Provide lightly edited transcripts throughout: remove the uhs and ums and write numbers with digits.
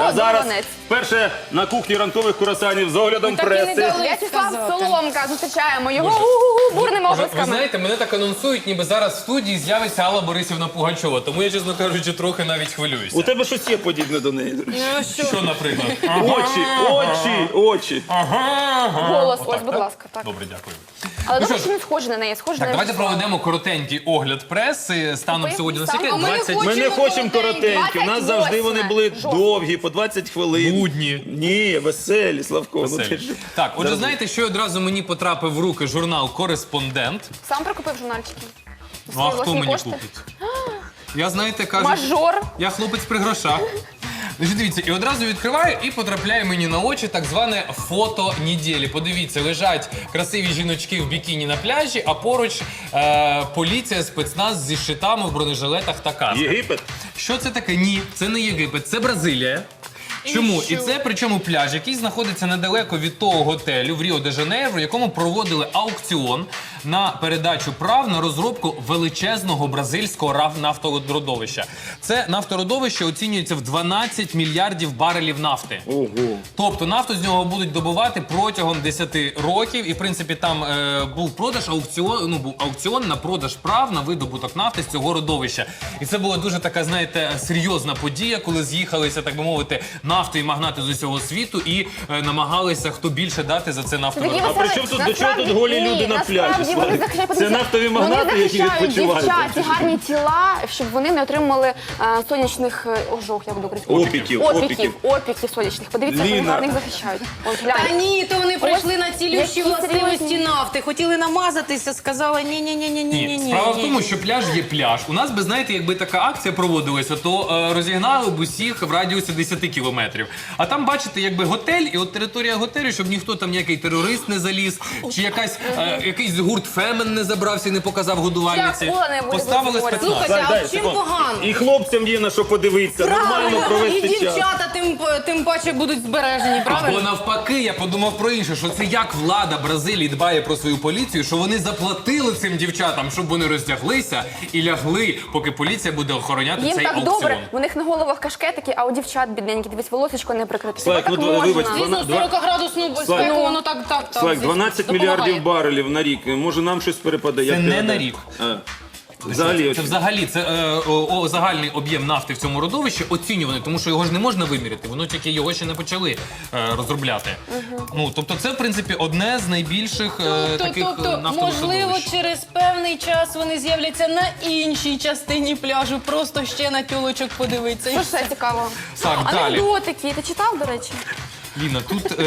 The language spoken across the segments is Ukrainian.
А зараз Донець. вперше на кухні ранкових курасанів з оглядом преси. В'ячеслав Соломка, зустрічаємо його гу-гу-гу бурними Ви облисками. знаєте, мене так анонсують, ніби зараз в студії з'явиться Алла Борисівна Пугачова. Тому я, чесно кажучи, трохи навіть хвилююся. У тебе щось є подібне до неї. Що, наприклад? Очі. Голос, Отак, ось, будь так? ласка. Так. Добре, дякую. Але Ну добре, що що не схоже на неї, схоже Так, на давайте В'ячеслава. проведемо коротенький огляд преси. Станом сьогодні на скільки? А ми не 20 Ми не хочемо коротенькі, у нас завжди вони були Жовтня. довгі, по 20 хвилин. Нудні. Ні, веселі, Славко. Ну, ти ж... Так, отже, знаєте, що одразу мені потрапив в руки журнал «Кореспондент». Сам прикупив журнальчики? Ну, а Свої хто власні мені кошти? купить? Я, знаєте, кажу, Мажор. я хлопець при грошах. Значить, дивіться, і одразу відкриваю і потрапляє мені на очі так зване фото неділі. Подивіться, лежать красиві жіночки в бікіні на пляжі, а поруч поліція, спецназ зі щитами в бронежилетах та касках. Єгипет? Що це таке? Ні, це не Єгипет, це Бразилія. Чому? І це причому пляж, який знаходиться недалеко від того готелю в Ріо-де-Жанейро, в якому проводили аукціон на передачу прав на розробку величезного бразильського нафтородовища. Це нафтородовище оцінюється в 12 мільярдів барелів нафти. Ого. Тобто нафту з нього будуть добувати протягом 10 років. І, в принципі, там був продаж аукціон на продаж прав на видобуток нафти з цього родовища. І це була дуже така, знаєте, серйозна подія, коли з'їхалися, так би мовити, нафтові магнати з усього світу і намагалися хто більше дати за це нафтородовище. А при чому тут, до чого тут голі люди на пляжі? Вони Славік? захищають, Це нафтові магнати, які захищають відпочивають. дівчат, ці гарні тіла, щоб вони не отримали сонячних ожог, як буду Опіків. Опіків сонячних. Подивіться, як вони Ліна. гарних захищають. Ось, Та глянь. ні, то вони прийшли на цілющі які властивості серйозні. нафти. Хотіли намазатися, сказали ні-ні-ні-ні-ні-ні. Ні, справа в тому, що пляж є пляж. У нас би, знаєте, якби така акція проводилася, то розігнали б усіх в радіусі 10 кілометрів. А там, бачите, якби готель, і от територія готелю, щоб ніхто там ніякий терорист не заліз, чи якийсь гурт Фемен не забрався і не показав годувальниці. Чи акула не буде Поставили говорити? спецназ. Слухайте, а Дай, в чим секунду. погано? І хлопцям є на що подивитися, нормально І провести час. дівчата тим паче будуть збережені, Або правильно? навпаки, я подумав про інше, що це як влада Бразилії дбає про свою поліцію, що вони заплатили цим дівчатам, щоб вони роздяглися і лягли, поки поліція буде охороняти Їм цей так аукціон. добре, у них на головах кашкетики, а у дівчат бідненькі, дивись, волосечко не прикрите. Слайк, Так ну, можна. вибач, Звісно, 40-градусну спеку, воно так. Слайк, 12 допомагає. мільярдів барелів на рік. Може нам щось перепаде? Це Як не ти на гадаєш? рік. Взагалі. Це взагалі загальний об'єм нафти в цьому родовищі оцінюваний, тому що його ж не можна виміряти, воно тільки його ще не почали розробляти. Ну, тобто це, в принципі, одне з найбільших таких Тобто, нафтових можливо, родовищ. через певний час вони з'являться на іншій частині пляжу, просто ще на тюлочок подивитися. Що ще цікаво? Так, далі. Анекдотики. Ти читав, до речі? Ліна, тут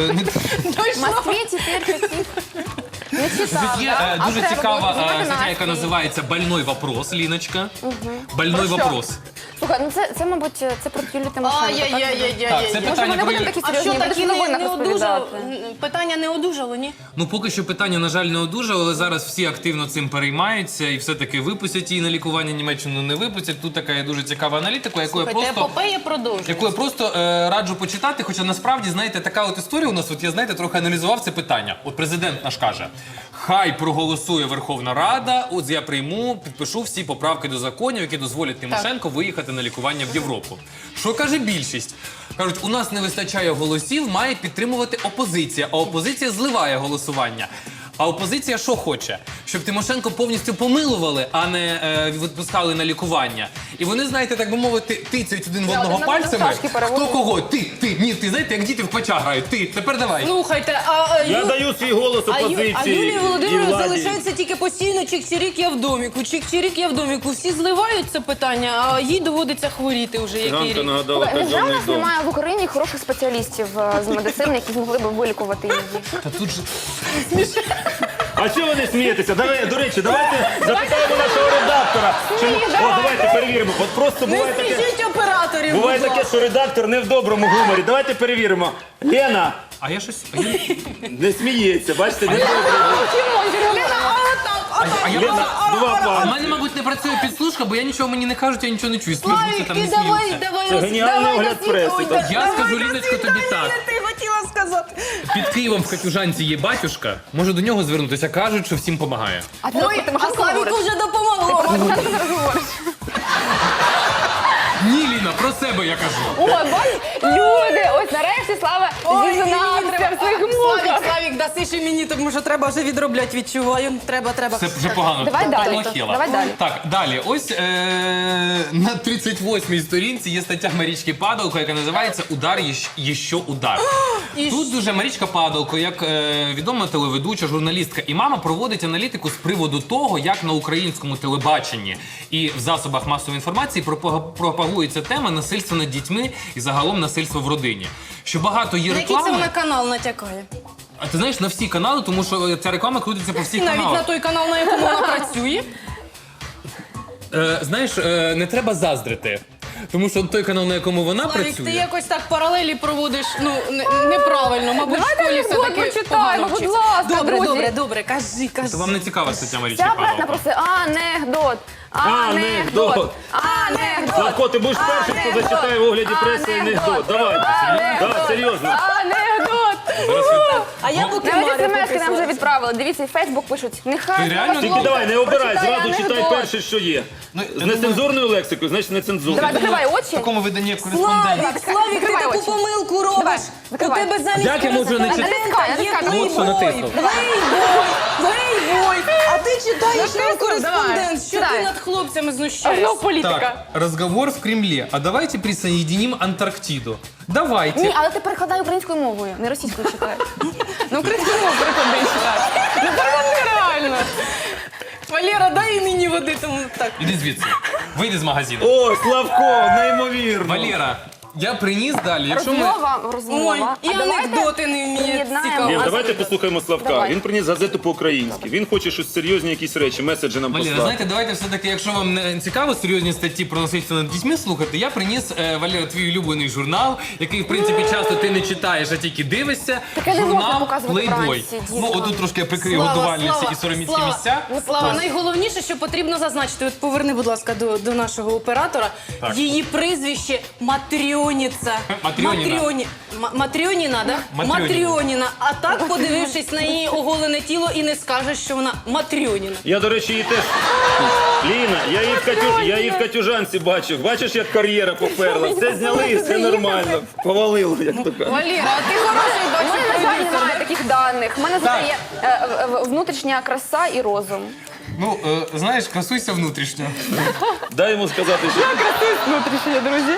В Москві тепер таких не читав, тут є да? А дуже треба цікава було знімати стаття, яка настрій. називається «Больной вопрос», Ліночка. «Больной Про що? вопрос». Слухай, ну це, мабуть, це про Юлію Тимошенко. Так, це Ай-яй-яй-яй-яй. Може, питання вони про будуть такі А серйозні, що будеш такі в новинах не одужало? розповідати. Питання не одужало, ні? Ну, поки що питання, на жаль, не одужало, але зараз всі активно цим переймаються і все-таки випустять її на лікування, Німеччину не випустять. Тут така є дуже цікава аналітика, яку я Слухайте, просто... епопея продовжується. Яку я просто раджу почитати, хоча насправді, знаєте, така от історія у нас, от я, знаєте, трохи аналізував це питання. От президент наш каже, хай проголосує Верховна Рада, от я прийму, підпишу всі поправки до законів, які дозволять Тимошенко виїхати на лікування в Європу. Що каже більшість? Кажуть, у нас не вистачає голосів, має підтримувати опозиція, а опозиція зливає голосування. А опозиція що хоче? Щоб Тимошенко повністю помилували, а не відпускали на лікування. І вони, знаєте, так би мовити, тицяють один в одного один пальцями. шашки переводять. Хто кого? Ти, ні, ти, знаєте, як діти в пача грають. Ти, тепер давай. Слухайте, Я даю свій голос опозиції. А Юлії і Володимирівні владі. залишається тільки постійно чик-чирік, я в доміку, чик-чирік, я в доміку. Всі зливають це питання, а їй доводиться хворіти вже який Ганка рік. нагадала Невже у казенний нас дом. немає в Україні хороших спеціалістів з медицини, які змогли б вилікувати її? Та тут же... А чого ви не смієтеся? До речі, давайте запитаємо нашого редактора. Давайте перевіримо. От просто Не буває таке, смішіть операторів, буває будь таке, ласка. що редактор не в доброму гуморі. Давайте перевіримо. Лена А я щось... не сміється, бачите? Не добре. Лена, два У пан. мене, мабуть, не працює підслужка, бо я нічого мені не кажуть, я нічого не чую. Слухайте, там не Славік, давай, сміються. Це геніальний огляд преси. Я скажу, Ліночко, тобі так. Ти хотіла сказати. Під Києвом в Катюжанці є батюшка, може до нього звернутися, кажуть, що всім допомагає. А ти Ой, про а Тимошенко Славіку говориш? вже допомогло. Про Тимошенко зараз говориш? Ні, Ліна, про себе я кажу. О, бачиш, люди Зізнався в своїх муках. Славік, даси ще мені, тому що треба вже відробляти, відчуваю. Треба. Це вже погано. Давай далі. Плохело. Давай далі. Так, далі. Ось на 38-й сторінці є стаття Марічки Падалко, яка називається «Удар, ще удар». Тут дуже Марічка Падалко, як відома телеведуча, журналістка і мама, проводить аналітику з приводу того, як на українському телебаченні і в засобах масової інформації пропагується тема насильства над дітьми і загалом насильства в родині. Що багато є На який це реклами. вона канал натякає? А ти знаєш, на всі канали, тому що ця реклама крутиться по всіх Навіть на каналах. той канал, на якому вона працює. Знаєш, не треба заздрити. Тому що той канал, на якому вона Славік, працює. ти якось так паралелі проводиш, неправильно. Мабуть, в Давайте школі анекдот все-таки почитаємо, погано будь вчиться. ласка, друзі. Добре, кажи. То вам не цікава стаття Марічки Ця пресна Падалко? просто анекдот. Славко, ти будеш першим, хто зачитає в огляді преси анекдот. Давай. Так, серйозно. Анекдот. А я поки Навіть Марі смс-ки нам вже поки відправили. Дивіться, і Фейсбук пишуть. Нехай. Ти реально? Тільки давай, не обирай, Прочитай зразу читай анекдот. перше, що є. З нецензурною лексикою, значить нецензурною. Давай, закривай В очі. такому виданні як кореспондент. Славік, ти Закривай таку очі. помилку робиш. У закривай. тебе замість Як я можу не читати? Натискай, є натискай. От що натиснув. Плейбой. А ти читаєш нам кореспондент. Що ти Читай. над хлопцями Знов знущаєшся? політика. Так, разговор в Кремле. А давайте присоединим Антарктиду. Давайте. Ні, але ти перекладай українською мовою, не російською читай. Ну, українською мовою перекладай і читай. Ну, перекладай реально. Валера, дай і мені води, тому так. Іди звідси. Вийди з магазину. О, Славко, неймовірно. Валера, я приніс далі. Якщо ми... Розмова. Ой, і А давайте анекдоти не вміє поєднаємо. цікаво. Ні, А давайте послухаємо Славка. Давай. Він приніс газету по-українськи. Він хоче щось серйозні, якісь речі, меседжі нам Валера, послати. знаєте, давайте все-таки, якщо вам не цікаво серйозні статті про насильство над дітьми слухати, я приніс, Валера, твій улюблений журнал, який, в принципі, часто ти не читаєш, а тільки дивишся. Таке не можна Журнал показувати Playboy. вранці, діткам. Ну, отут трошки я прикрию годувальниці і сороміцькі місця. Слава, найголовніше, що потрібно зазначити, от поверни, будь ласка, до нашого оператора, Так. її прізвище Матрьоніця. Матрьоніна. Матрьоніна, да? Матрьоніна. А так, подивившись на її оголене тіло, і не скажеш, що вона Матрьоніна. Я, до речі, її теж... Ліна, я її в Катюжанці бачив. Бачиш, як кар'єра поперла. Все зняли і все нормально. Повалило, як то кажуть. Валера, а ти хороший У мене, на жаль, немає таких даних. У мене Так. є внутрішня краса і розум. Ну, знаєш, красуйся внутрішньо. Дай йому сказати, що... Внутрішня, друзі.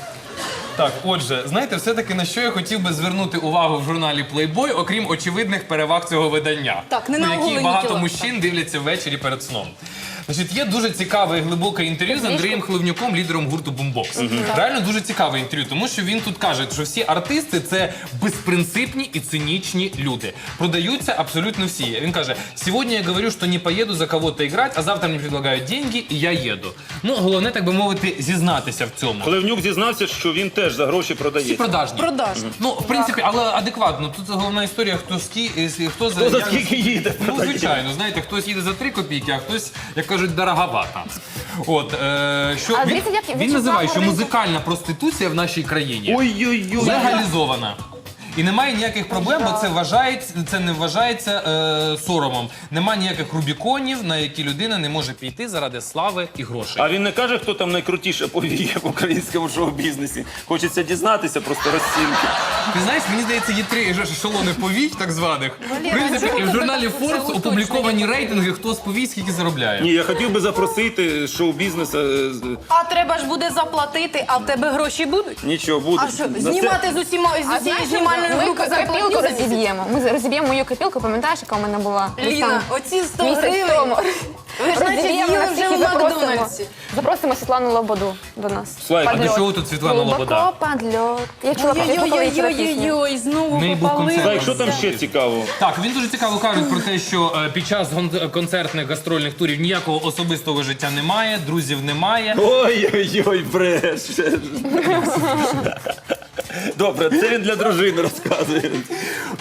Так, отже, знаєте, все-таки на що я хотів би звернути увагу в журналі Playboy, окрім очевидних переваг цього видання, Так, не на які оголені багато тіла. мужчин дивляться ввечері перед сном. Значить, є дуже цікаве і глибоке інтерв'ю з Андрієм Хливнюком, лідером гурту Boombox. Реально дуже цікаве інтерв'ю, тому що він тут каже, що всі артисти – це безпринципні і цинічні люди. Продаються абсолютно всі. Він каже, сьогодні я говорю, що не поїду за кого-то грати, а завтра мені предлагають деньги, і я їду. Ну, головне, так би мовити, зізнатися в цьому. Хливнюк зізнався, що він теж за гроші Всі продається. продажні. Продажні. Ну, в принципі, але адекватно. Тут головна історія, хто за за як- скільки їде, Ну, продає. звичайно, знаєте, хтось їде за 3 копійки, а хтось, як кажуть, дороговато. От, що А він, дивіться, як він називає, що ринку. музикальна проституція в нашій країні Ой-ой-ой. легалізована. І немає ніяких проблем, бо це не вважається соромом. Немає ніяких рубіконів, на які людина не може піти заради слави і грошей. А він не каже, хто там найкрутіше повіє в українському шоу-бізнесі. Хочеться дізнатися, просто розцінки. Ти знаєш, мені здається, є 3 ешелони повій, так званих. В принципі, і в журналі Forbes опубліковані рейтинги, хто з повій скільки заробляє. Ні, я хотів би запросити шоу-бізнес. А треба ж буде заплатити, а в тебе гроші будуть? Нічого, буде. А що, На це- знімати з усієї знімальної ми групи копілку зарплатню за місяць? розіб'ємо. Ми розіб'ємо мою копілку, пам'ятаєш, яка у мене була? Ліна, оці 100 місяць гривень. тому. Ви ж наче Розіб'ємо їли на вже всіх і в Макдональдсі. запросимо Світлану Лободу до нас. Слайк, А до Подльот. чого тут Світлана Лобода? Глибоко подльот. Я чула про пісню. Ой-ой-ой, знову В неї був попалилися. концерт. Слайк, що там ще цікавого? Так, він дуже цікаво каже про те, що під час концертних гастрольних турів ніякого особистого життя немає, друзів немає. Ой-ой-ой, бреше. Добре, це він для дружини розказує.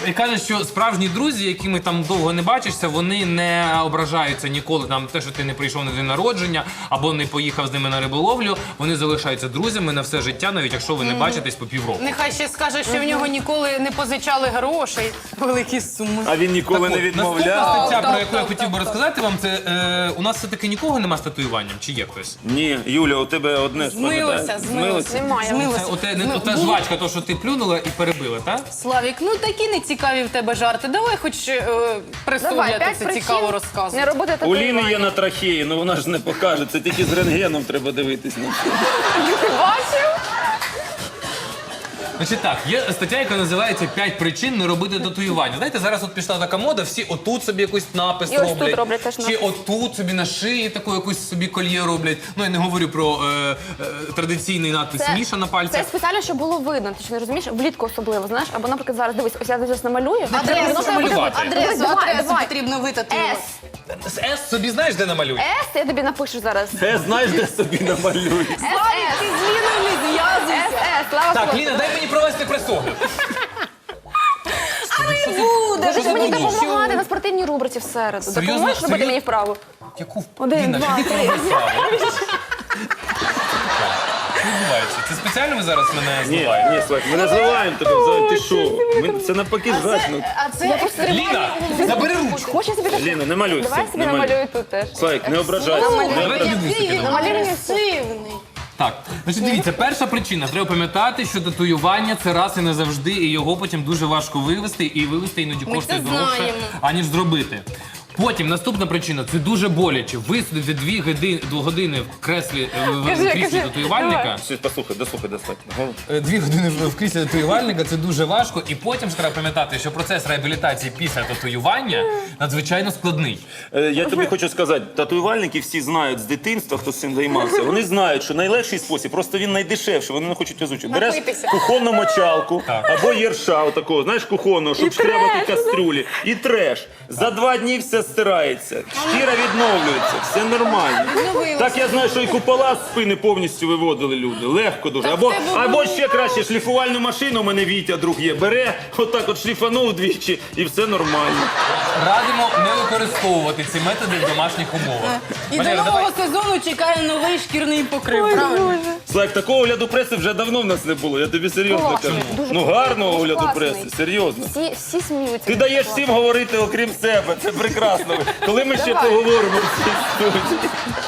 І каже, що справжні друзі, якими там довго не бачишся, вони не ображаються ніколи там те, що ти не прийшов на день народження або не поїхав з ними на риболовлю. Вони залишаються друзями на все життя, навіть якщо ви не бачитесь по півроку. Нехай ще скаже, що в нього ніколи не позичали грошей. Великі суми. А він ніколи не Наступна відмовляв. стаття, про так, яку я так, хотів би розказати вам, це у нас все-таки нікого нема з татуюванням, чи є хтось? Ні, Юля, у тебе одне Змилося. Немає. Змилося. Ота жвачка, то, що ти плюнула і перебила, так? Славік, ну такі не цікаві в тебе жарти. Давай хоч пресу, Давай, я 5 це причин цікаво не розказую. робити У Ліни татуювання. є на трахеї, ну вона ж не покаже. Це тільки з рентгеном треба дивитись. Бачив? Значить так, є стаття, яка називається «5 причин не робити татуювання». Знаєте, зараз от пішла така мода, всі отут собі якийсь напис І ось роблять. тут роблять теж Чи напис. отут собі на шиї таку якусь собі кольє роблять. Ну, я не говорю про традиційний надпис «Міша» на Це пальцях. спеціально, щоб було видно. Ти ж не розумієш? Влітку особливо, знаєш? Або, наприклад, зараз, дивись, ось я зараз намалюю. Адресу малювати. Адресу потрібно витатувати. С. З «С» собі знаєш, де намалюй? С, я тобі напишу зараз. Це знаєш, де собі намалюєш. С. Ти з Ліною не зв'язуйся. С, слава Так, Богу. Ліна, дай мені провести пресогляд. Ти ж мені Що? допомагати на спортивній рубриці в середу. Серйозно? Допоможеш робити Серйозно? мені вправу? Яку? Один, Ліна, два, піди три. роби справу. Що відбувається? Це спеціально ви зараз мене Ні, зливаєте? ні, Слайк, ми не зливаємо тебе взагалі. Ти що? Це навпаки жачно. А це Ліна, забери ручку. Хочеш собі так? Ліна, не малюй. Давай все, собі не малюй. намалюю тут теж. Слайк, не ображайся. Давай тобі вусики дамо. Намалюй мені агресивний. Так, значить, дивіться, перша причина. Треба пам'ятати, що татуювання це раз і не завжди, і його потім дуже важко вивести, і вивести іноді Ми коштує це дорожче, знаємо. аніж зробити. Потім наступна причина це дуже боляче. Висидіти 2 години в креслі в кріслі татуювальника. Послухай, дослухай, достатньо. 2 години в кріслі татуювальника це дуже важко. І потім ж треба пам'ятати, що процес реабілітації після татуювання надзвичайно складний. Я тобі хочу сказати, татуювальники всі знають з дитинства, хто з цим займався. Вони знають, що найлегший спосіб, просто він найдешевший, вони не хочуть озвучити. Береш Напитися. кухонну мочалку Так. або єрша, такого, знаєш, кухонного, щоб шкрябати кастрюлі. І треш. За 2 дні все стирається, шкіра відновлюється, все нормально. Так я знаю, що і купола з спини повністю виводили люди. Легко дуже. Або ще краще, шліфувальну машину у мене Вітя, друг є, бере, отак от шліфанув двічі і все нормально. Радимо не використовувати ці методи в домашніх умовах. І до Валера, нового давай. сезону чекає новий шкірний покрив, правильно? Слайк, такого огляду преси вже давно в нас не було, я тобі серйозно Класний, кажу. дуже Ну класний, гарного дуже огляду класний. преси, серйозно. Всі сміються. Ти даєш всім говорити, окрім себе, це прекрасно. Коли ми ще поговоримо в цій студії?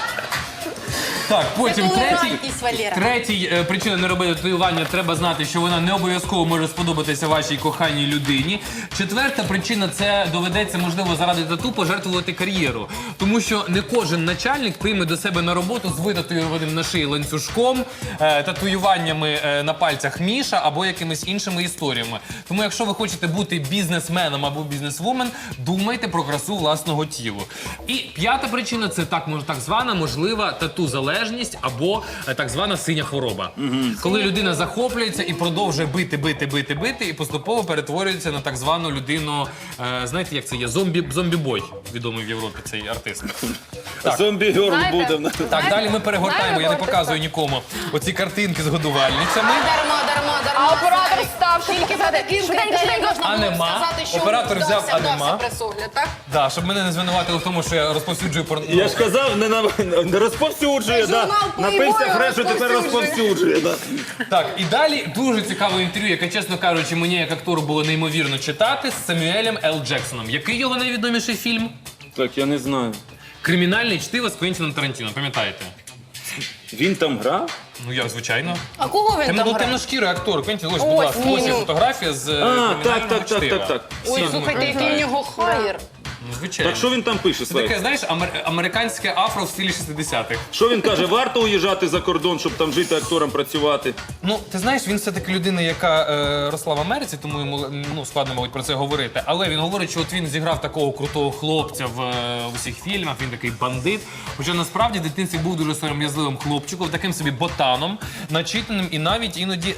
Так, потім толерантність, Валера. третій причина не робити татуювання. Треба знати, що вона не обов'язково може сподобатися вашій коханій людині. Четверта причина – це доведеться, можливо, заради тату пожертвувати кар'єру. Тому що не кожен начальник прийме до себе на роботу з витатуюваним на шиї ланцюжком, татуюваннями на пальцях Міша або якимись іншими історіями. Тому якщо ви хочете бути бізнесменом або бізнесвумен, думайте про красу власного тіла. І п'ята причина – це так звана можлива тату-залежність або так звана синя хвороба. Коли людина захоплюється і продовжує бити, і поступово перетворюється на так звану людину, знаєте, як це є? Зомбі-бой, відомий в Європі цей артист. Так. Зомбі-герл Знаєте, буде в нас. Так, далі ми перегортаємо, Знаєте, я не кого показую ти нікому оці картинки з годувальницями. Дарма. А оператор став, щоб Тільки за показати. таким Швиденько, критерієм швиденько. можна було Анема. сказати, що Оператор взяв вдався анема. пресогляд, так? Да, щоб мене не звинуватили в тому, що я розповсюджую порно. Я ж казав, не розповсюджує, да. Журнал Напився Playboy фрешу, тепер розповсюджує. Да. Так, і далі дуже цікаве інтерв'ю, яке, чесно кажучи, мені як актору було неймовірно читати з Самюелем Л. Джексоном. Який його найвідоміший фільм? Так, я не знаю. Кримінальне чтиво з Квентіном Тарантіно, пам'ятаєте? Він там грав? Ну, як звичайно. А кого він там грав? Темношкірий актор. Квентін, ось, будь ласка, ось є фотографія з кримінального чтива. Ой, Всі слухайте, який в пам'ятають. нього хайр. Ну, звичайно. Так що він там пише, Це Слайк? таке, знаєш, американське афро в стилі 60-х. Що він каже, варто уїжджати за кордон, щоб там жити актором, працювати? Ну, ти знаєш, він все-таки людина, яка росла в Америці, тому йому складно, мабуть, про це говорити. Але він говорить, що от він зіграв такого крутого хлопця в усіх фільмах, він такий бандит. Хоча насправді в дитинстві був дуже сором'язливим хлопчиком, таким собі ботаном, начитаним і навіть іноді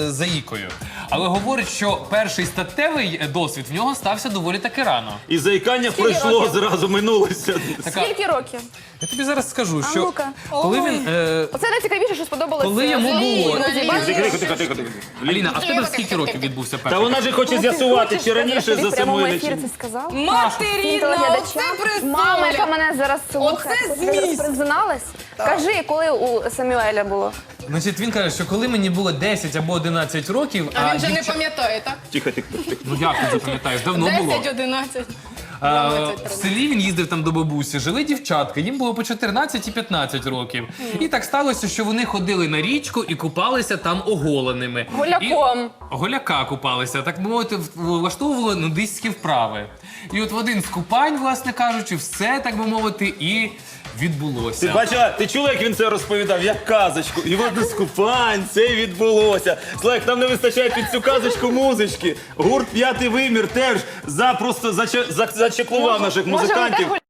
заїкою. Але говорить, що перший статевий досвід в нього стався доволі таки рано. І заїкався Кохання пройшло років? зразу, минулося. Скільки років? Я тобі зараз скажу, А що ну-ка. коли він. Оце найцікавіше, що сподобалося. Коли йому було. Тихо. Аліна, а в тебе в скільки років відбувся Та перший? вона ж хоче з'ясувати, чи раніше за в прямому Самуїля, ефірі чи... це сказав? Материна, Телеглядачам. оце Мама, яка представля. мене зараз слухає. Оце Ти зараз зміст. призналась? Кажи, коли у Самюеля було? Значить, він каже, що коли мені було 10 або 11 років, А він же не дівча- пам'ятає, так? Тихо. Ну як ти запам'ятаєш? Давно було. 10-11. В селі він їздив там до бабусі, жили дівчатки, їм було по 14 і 15 років. І так сталося, що вони ходили на річку і купалися там оголеними. Голяком. І голяка купалися, так би мовити, влаштовували нудистські вправи. І от в один з купань, власне кажучи, все, так би мовити, і Ти відбулося. бачила, ти чула, як він це розповідав, як казочку. І от з купань це відбулося. Слайк, нам не вистачає під цю казочку музички. Гурт «П'ятий вимір» теж просто зачеклував наших Може, музикантів. отак